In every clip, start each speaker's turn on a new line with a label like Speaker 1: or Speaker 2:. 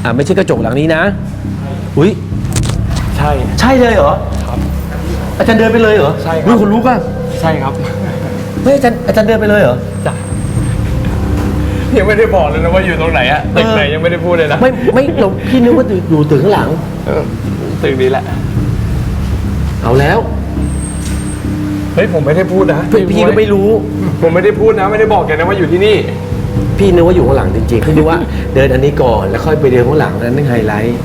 Speaker 1: ไม่ใช่กระจกหลังนี้นะอุ้ย
Speaker 2: ใช่
Speaker 1: เลยเหรอ
Speaker 2: ครับ
Speaker 1: อาจารย์เดินไปเลยเหรอ
Speaker 2: ใช่ครับ
Speaker 1: รู้คนรู้ป่ะ
Speaker 2: ใช่ครับ
Speaker 1: ไม่อาจารย์เดินไปเลยเหรอ
Speaker 2: จ้ะยังไม่ได้บอกเลยนะว่าอยู่ตรงไหนอะตึกไหนยังไม่ได้พูดเลยนะ
Speaker 1: ไม่เราพี่นึกว่าอยู่ตึกข้างหลัง
Speaker 2: ตึกนี้แหละ
Speaker 1: เอาแล้ว
Speaker 2: เฮ้ยผมไม่ได้พูดนะ
Speaker 1: พี่ก็ไม่รู้
Speaker 2: ผมไม่ได้พูดนะไม่ได้บอกแกนะว่าอยู่ที่นี่
Speaker 1: พี่นึกว่าอยู่ข้างหลังจริงๆพี่นึกว่าเดินอันนี้ก่อนแล้วค่อยไปเดินข้างหลังนั่นไฮไลท์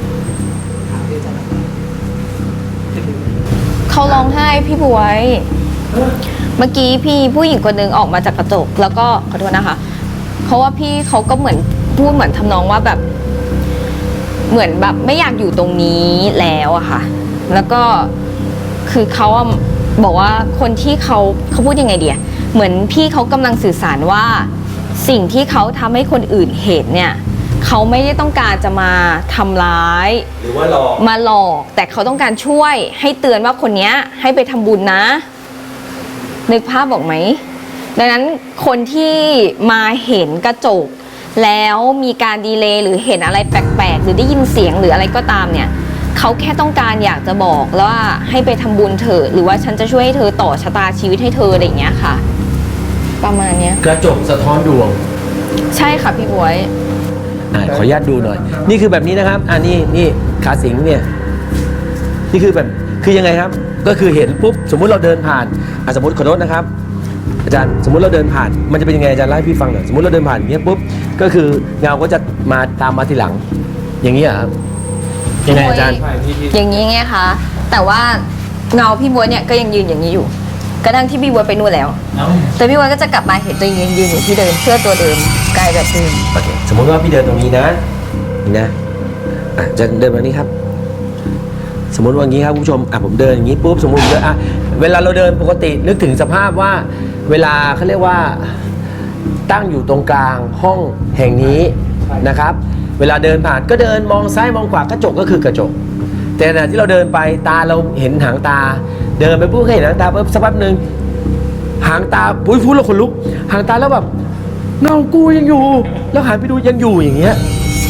Speaker 3: เขาร้องไห้พี่บวย เมื่อกี้พี่ผู้หญิงคนนึงออกมาจากกระจก แล้วก็ขอโทษนะคะเพราะว่าพี่เขาก็เหมือนพูดเหมือนทำนองว่าแบบ เหมือนแบบไม่อยากอยู่ตรงนี้แล้วอะค่ะ แล้วก็คือเขาอะบอกว่าคนที่เขาพูดยังไงเดียเหมือนพี่เขากำลังสื่อสารว่าสิ่งที่เขาทำให้คนอื่นเห็นเนี่ยเขาไม่ได้ต้องการจะมาทำร้าย
Speaker 1: หรือว่าหลอก
Speaker 3: มาหลอกแต่เขาต้องการช่วยให้เตือนว่าคนนี้ให้ไปทำบุญนะ นึกภาพบอกไหมดังนั้นคนที่มาเห็นกระจกแล้วมีการดีเลย์หรือเห็นอะไรแปลกๆหรือได้ยินเสียงหรืออะไรก็ตามเนี่ยเขาแค่ต้องการอยากจะบอกแล้วว่าให้ไปทำบุญเถอะหรือว่าฉันจะช่วยให้เธอต่อชะตาชีวิตให้เธออะไรอย่างเงี้ยค่ะ ประมาณเนี้ย
Speaker 1: กระจกสะท้อนดวง
Speaker 3: ใช่ค่ะพี่บวย
Speaker 1: ขออนุญาตดูหน่อย นี่คือแบบนี้นะครับนี่ขาสิงเนี่ยนี่คือแบบคือยังไงครับก็คือเห็นปุ๊บสมมุติเราเดินผ่านสมมติขอโทษนะครับอาจารย์สมมุติเราเดินผ่านมันจะเป็นยังไงอาจารย์เล่าให้พี่ฟังหน่อยสมมติเราเดินผ่านอย่างเงี้ยปุ๊บก็คือเงาก็จะมาตามมาทีหลัง อย่างนี้ครับยังไงอาจารย์
Speaker 3: อย่างนี้ไงคะแต่ว่าเงาพี่บวยเนี่ยก็ยังยืนอย่างนี้อยู่กระทั่งที่พี่บวยไปนู่นแล้วแต่พี่บวยก็จะกลับมาเห็นตัวเองยืนอยู่ที่เดิมเสื้อตัวเดิมกายแบบเดิม
Speaker 1: โอเคสมมติว่าพี่เดินตรงนี้นะนี่นะจะเดินแบบนี้ครับ สมมติว่าอย่างนี้ครับคุณผู้ชมผมเดินอย่างนี้ปุ๊บสมมติเวลาเราเดินปกตินึกถึงสภาพว่าเวลาเขาเรียกว่าตั้งอยู่ตรงกลางห้องแห่งนี้นะครับ เวลาเดินผ่านก็เดินมองซ้ายมองขวากระจกก็คือกระจก แต่ขณะที่เราเดินไปตาเราเห็นหางตา เดินไปปุ๊บเห็นหางตาปุ๊บสักแป๊บนึงหางตาปุ้ยพูดแล้วขนลุกหางตาแล้วแบบเงากูยังอยู่ แล้วหันไปดูยังอยู่อย่างเงี้ย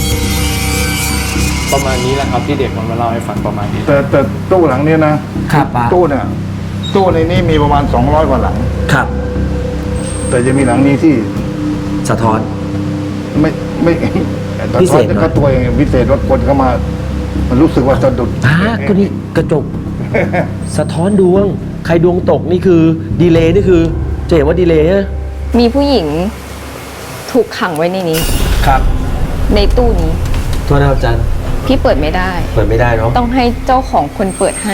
Speaker 2: ประมาณนี้แหละครับที่เด็กมันมาเล่าให้ฟังประมาณนี้
Speaker 4: แต่ตู้หลังเนี้ยนะครับ
Speaker 1: ป้า
Speaker 4: ตู้เนี่ยตู้ในนี้มีประมาณ200กว่าหลัง
Speaker 1: ครับ
Speaker 4: แต่จะมีหลังนี้ที่
Speaker 1: สะท้อน
Speaker 4: ไม่
Speaker 1: พิเศษหน่อย
Speaker 4: ก็ตัวเองพิเศษรถคนเข้ามามันรู้สึกว่าสะดุด
Speaker 1: ก็นี่กระจก สะท้อนดวง ใครดวงตกนี่คือดีเลย์นี่คือจะเห็นว่าดีเลย์นะ
Speaker 3: มีผู้หญิงถูกขังไว้ในนี้
Speaker 1: ครับ
Speaker 3: ในตู้นี้
Speaker 1: โทษนะครับอาจารย์
Speaker 3: พี่เปิดไม่ได้
Speaker 1: เปิดไม่ได้เนาะ
Speaker 3: ต้องให้เจ้าของคนเปิดให้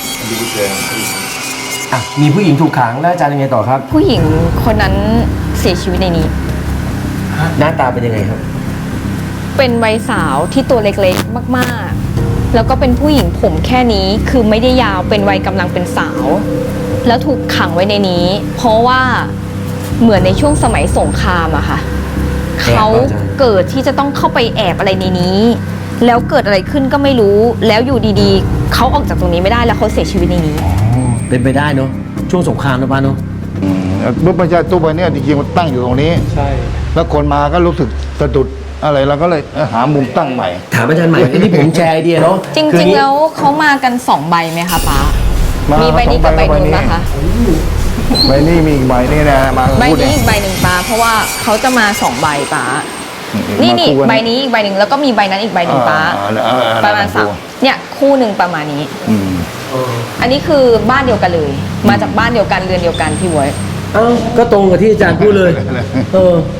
Speaker 1: มีผู้หญิงถูกขังแล้วอาจารย์ยังไงต่อครับ
Speaker 3: ผู้หญิงคนนั้นเสียชีวิตในนี้
Speaker 1: หน้าตาเป็นยังไงครับ
Speaker 3: เป็นวัยสาวที่ตัวเล็กๆมากๆ แล้วก็เป็นผู้หญิงผมแค่นี้คือไม่ได้ยาวเป็นวัยกำลังเป็นสาว แล้วถูกขังไว้ในนี้ เพราะว่าเหมือนในช่วงสมัยสงครามอะค่ะ
Speaker 1: แอบเหรอ
Speaker 3: เขา
Speaker 1: อาจารย์
Speaker 3: เกิดที่จะต้องเข้าไปแอบอะไรในนี้ แล้วเกิดอะไรขึ้นก็ไม่รู้ แล้วอยู่ดีๆเขาออกจากตรงนี้ไม่ได้แล้วเขาเสียชีวิตในนี้
Speaker 1: เป็นไปได้เนาะช่วงสงครามนะป้าเนาะ
Speaker 4: เมื่อไม่ใช่ตู้ใบเนี้ยจริงๆมันตั้งอยู่ตรงนี้
Speaker 2: ใช่
Speaker 4: แล้วคนมาก็รู้สึกสะดุดอะไรเราก็เลยหามุมตั้งใหม่
Speaker 1: ถามอาจารย์ใหม่อันนี้ผมแชร์ไอเดียเนาะ
Speaker 3: จ
Speaker 1: คือ
Speaker 3: ริง
Speaker 1: นี่
Speaker 3: ๆแล้วเขามากัน2 ใบไหมคะป้า
Speaker 4: มามี
Speaker 3: มีใบนี้กับใบ
Speaker 4: สองใบ
Speaker 3: นู้น
Speaker 4: แล้ว
Speaker 3: ปะคะ
Speaker 4: ใบนี้มีอีกใบนี่นะมา
Speaker 3: ใบ
Speaker 4: พูดเอ
Speaker 3: นี้
Speaker 4: ง
Speaker 3: อีกใบหนึ่งป้าเพราะว่าเขาจะมา2 ใบป้านี่
Speaker 4: มาคู่กั
Speaker 3: ใบนี้อีกใบหนึ่งแล้วก็มีใบนั้นอีกใบหนึ่งป้า ประมาณ3เนี่ยคู่หนึ่งประมาณนี้
Speaker 4: อืม
Speaker 3: อันนี้คือบ้านเดียวกันเลย มาจากบ้านเดียวกันเรือนเดียวกันพี่บวย
Speaker 1: เอ้าก็ตรงกับที่อาจารย์พูดเลย